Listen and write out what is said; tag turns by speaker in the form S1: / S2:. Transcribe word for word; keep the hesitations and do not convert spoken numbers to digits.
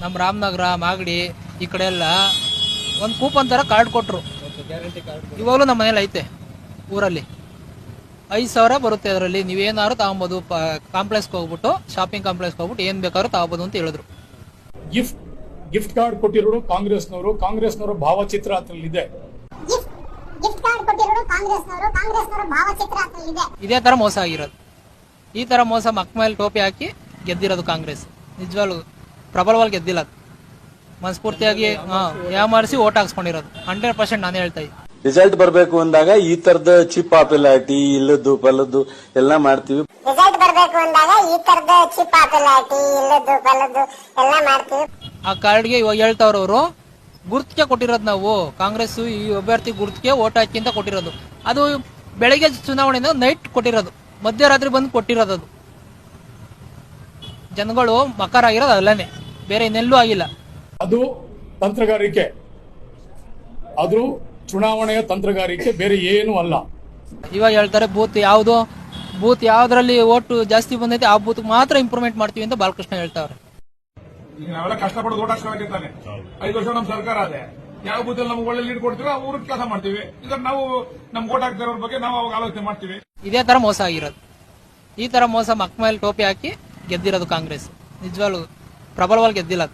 S1: ನಮ್ಮ ರಾಮನಗರ ಮಾಗಡಿ ಈ ಕಡೆ ಎಲ್ಲ ಒಂದು ಕೂಪನ್ ತರ ಕಾರ್ಡ್ ಕೊಟ್ರು. ಇವಾಗಲೂ ನಮ್ಮ ಮನೇಲಿ ಐತೆ ಊರಲ್ಲಿ. ಐದು ಸಾವಿರ ಬರುತ್ತೆ ಅದರಲ್ಲಿ, ನೀವೇನಾದ್ರು ತಗೊಬೋದು. ಕಾಂಪ್ಲೆಕ್ಸ್ಗೆ ಹೋಗ್ಬಿಟ್ಟು ಶಾಪಿಂಗ್ ಕಾಂಪ್ಲೆಕ್ಸ್ಗೆ ಹೋಗ್ಬಿಟ್ಟು ಏನ್ ಬೇಕಾದ್ರೂ ತಗೋಬಹುದು ಅಂತ ಹೇಳಿದ್ರು.
S2: ಗಿಫ್ಟ್ ಗಿಫ್ಟ್ ಕಾರ್ಡ್ ಕೊಟ್ಟಿರೋರು ಕಾಂಗ್ರೆಸ್ನವರು. ಕಾಂಗ್ರೆಸ್ನವರ ಭಾವಚಿತ್ರ ಅದ್ರಲ್ಲಿದೆ.
S1: ಇದೇ ತರ ಮೋಸ ಆಗಿರೋದು. ಈ ತರ ಮೋಸ ಮಕ್ಕ ಮೇಲೆ ಟೋಪಿ ಹಾಕಿ ಗೆದ್ದಿರೋದು ಕಾಂಗ್ರೆಸ್. ನಿಜವಾಗ್ಲೂ ಪ್ರಬಲವಾಗಿ ಗೆದ್ದಿಲ್ಲ, ಮನಸ್ಫೂರ್ತಿಯಾಗಿ ಯಾಮಾರಿಸಿ ಓಟ್ ಹಾಕ್ಸ್ಕೊಂಡಿರೋದು. ಹಂಡ್ರೆಡ್ ಪರ್ಸೆಂಟ್ ನಾನು ಹೇಳ್ತಾ ಇದ್ದೀನಿ.
S3: ರಿಸಲ್ಟ್ ಬರಬೇಕು ಅಂದಾಗ ಈ ತರದ ಚಿಪ್ ಪಾಪ್ಯುಲಾರಿಟಿ ಇಲ್ಲದ್ದು ಪಲ್ಲದ್ದು ಎಲ್ಲ ಮಾಡ್ತೀವಿ.
S4: ರಿಸಲ್ಟ್ ಬರಬೇಕು ಅಂದಾಗ ಈ ತರದ ಚಿಪ್ ಪಾಪ್ಯುಲಾರಿಟಿ ಇಲ್ಲದ್ದು ಪಲ್ಲದ್ದು ಎಲ್ಲ ಮಾಡ್ತೀವಿ.
S1: ಆ ಕಾರ್ಡ್ಗೆ ಇವಾಗ ಹೇಳ್ತಾವ್ರವ್ರು ಗುರ್ತಿಗೆ ಕೊಟ್ಟಿರೋದು. ನಾವು ಕಾಂಗ್ರೆಸ್ ಈ ಅಭ್ಯರ್ಥಿ ಗುರ್ತಿಗೆ ಓಟ್ ಹಾಕಿ ಅಂತ ಕೊಟ್ಟಿರೋದು. ಅದು ಬೆಳಗ್ಗೆ ಚುನಾವಣೆಯಿಂದ ನೈಟ್ ಕೊಟ್ಟಿರೋದು, ಮಧ್ಯರಾತ್ರಿ ಬಂದು ಕೊಟ್ಟಿರೋದು. ಅದು ಜನಗಳು ಮಕರ ಆಗಿರೋದು ಅಲ್ಲೇ, ಬೇರೆ ಇನ್ನೆಲ್ಲೂ ಆಗಿಲ್ಲ.
S2: ಅದು ತಂತ್ರಗಾರಿಕೆ, ಅದು ಚುನಾವಣೆಯ ತಂತ್ರಗಾರಿಕೆ, ಬೇರೆ ಏನೂ ಅಲ್ಲ.
S1: ಇವಾಗ ಹೇಳ್ತಾರೆ ಬೂತ್ ಯಾವ್ದು ಬೂತ್ ಯಾವ್ದ್ರಲ್ಲಿ ಓಟು ಜಾಸ್ತಿ ಬಂದೈತೆ ಆ ಬೂತ್ ಮಾತ್ರ ಇಂಪ್ರೂವ್ಮೆಂಟ್ ಮಾಡ್ತೀವಿ ಅಂತ ಬಾಲಕೃಷ್ಣ ಹೇಳ್ತಾವ್ರೆ.
S5: ಈಗ ನಾವೆಲ್ಲ ಕಷ್ಟಪಟ್ಟು ಓಟ್ ಹಾಕ್ಸ್ಕೊಳಕಿರ್ತಾನೆ. ಐದು ವರ್ಷ ನಮ್ಮ ಸರ್ಕಾರ ಅದೇ, ಯಾವ ಬೂತಲ್ಲಿ ನಮ್ಗೆ ಒಳ್ಳೆ ಲೀಡ್ ಕೊಡ್ತೀವಿ ಆ ಊರಿಗೆ ಕೆಲಸ ಮಾಡ್ತೀವಿ. ಈಗ ನಾವು ನಮ್ಗೆ ಓಟ್ ಹಾಕ್ತಿರೋರ ಬಗ್ಗೆ ನಾವು ಅವಾಗ ಆಲೋಚನೆ ಮಾಡ್ತೀವಿ.
S1: ಇದೇ ತರ ಮೋಸ ಆಗಿರೋದು. ಈ ತರ ಮೋಸ ಮಕ್ಕ ಮೇಲೆ ಟೋಪಿ ಹಾಕಿ ಗೆದ್ದಿರೋದು ಕಾಂಗ್ರೆಸ್. ನಿಜವಾಗ್ಲೂ ಪ್ರಬಲವಾಗಿ ಗೆದ್ದಿಲ್ಲ.